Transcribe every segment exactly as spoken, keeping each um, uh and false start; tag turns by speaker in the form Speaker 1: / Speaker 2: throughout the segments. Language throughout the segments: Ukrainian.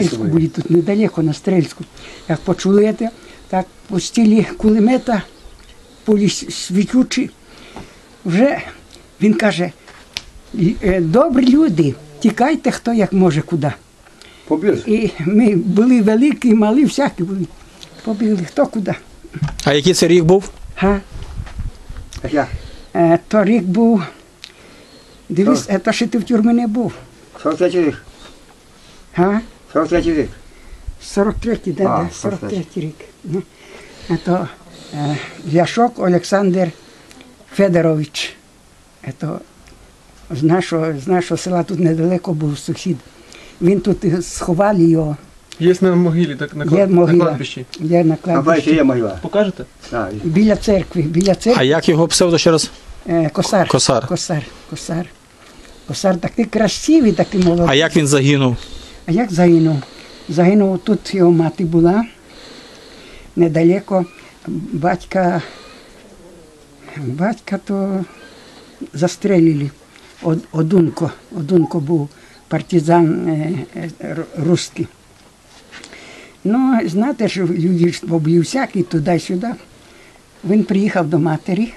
Speaker 1: Стрельську були тут недалеко, на Стрельську. Як почули це, так пустили кулемета, пулі світючі. Вже він каже, добрі люди, тікайте хто як може куди.
Speaker 2: Побіг?
Speaker 1: І ми були великі, малі, всякі були. Побігли хто куди.
Speaker 3: А який це рік був?
Speaker 1: Га?
Speaker 2: Як?
Speaker 1: Е, то рік був, дивись, е, то ще ти в тюрмі не був.
Speaker 2: сорок третій рік.
Speaker 1: Га?
Speaker 2: сорок третій рік.
Speaker 1: сорок третій, да,
Speaker 2: А,
Speaker 1: да, сорок третій рік. Ну, а то е, Ляшок Олександр Федорович. Е, то з нашого, з нашого села тут недалеко був сусід. Він тут і сховали його.
Speaker 4: Є на могилі, так, на,
Speaker 1: Є
Speaker 4: на
Speaker 1: могила.
Speaker 4: кладбищі.
Speaker 1: Є на
Speaker 2: А бачите,
Speaker 1: кладбищі.
Speaker 2: є могила.
Speaker 4: Покажете?
Speaker 2: Так.
Speaker 1: Біля церкви, біля
Speaker 3: А
Speaker 1: церкви.
Speaker 3: як його псевдо ще раз?
Speaker 1: Е, косар.
Speaker 3: Косар.
Speaker 1: Косар. Косар. Косар такий красивий, такий молодий.
Speaker 3: А як він загинув?
Speaker 1: А як загинув? Загинув, тут його мати була, недалеко. Батька, батька то застрелили. Од, Одунко, Одунко був партизан е, е, р- русський. Ну, знаєте, що люди ж були всякі туди-сюди. Він приїхав до матері,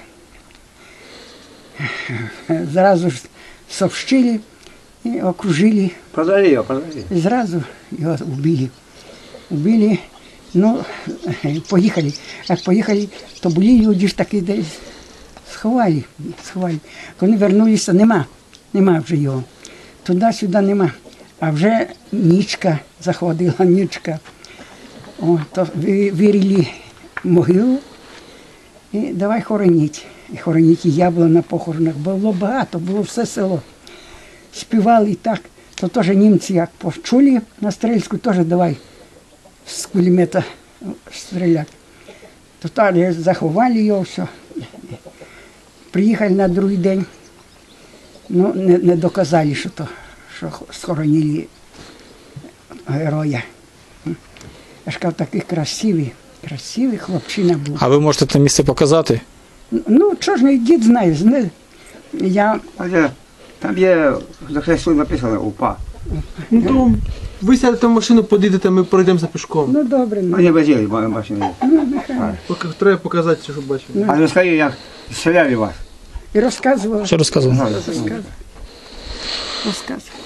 Speaker 1: зразу ж сообщили і окружили.
Speaker 2: Продали його, продали.
Speaker 1: И сразу его убили. Убили, ну, поїхали. Як поїхали, то були люди ж такі десь сховали, сховали. Коли вернулися, нема, нема вже його. Туди-сюди нема. А вже нічка заходила, нічка. О, то ви- вирили могилу і давай хороніть. І хороніть, і я була на похоронах. Було багато, було все село. Співали і так. То теж німці як почули на Стрельську, теж давай з кулемета стріляти. То так заховали його, все. Приїхали на другий день, ну не, не доказали, що то, що схоронили героя. Я ж кажу, такий красивий, красивий хлопчина був.
Speaker 3: А ви можете це місце показати?
Speaker 1: Ну, що ж, мій дід знає, знає. Я
Speaker 2: А де? Там є, за хресту написано УПА.
Speaker 4: Ну то ви сядете в машину, подійдете, ми пройдемося пішком.
Speaker 1: ну добре, ну,
Speaker 2: Вони возили машини.
Speaker 1: ну нехай.
Speaker 4: Поки треба показати, що бачимо.
Speaker 2: А розкажи, як стріляли вас.
Speaker 1: І розказував.
Speaker 3: Що розказував?
Speaker 1: Розказував. Розказував.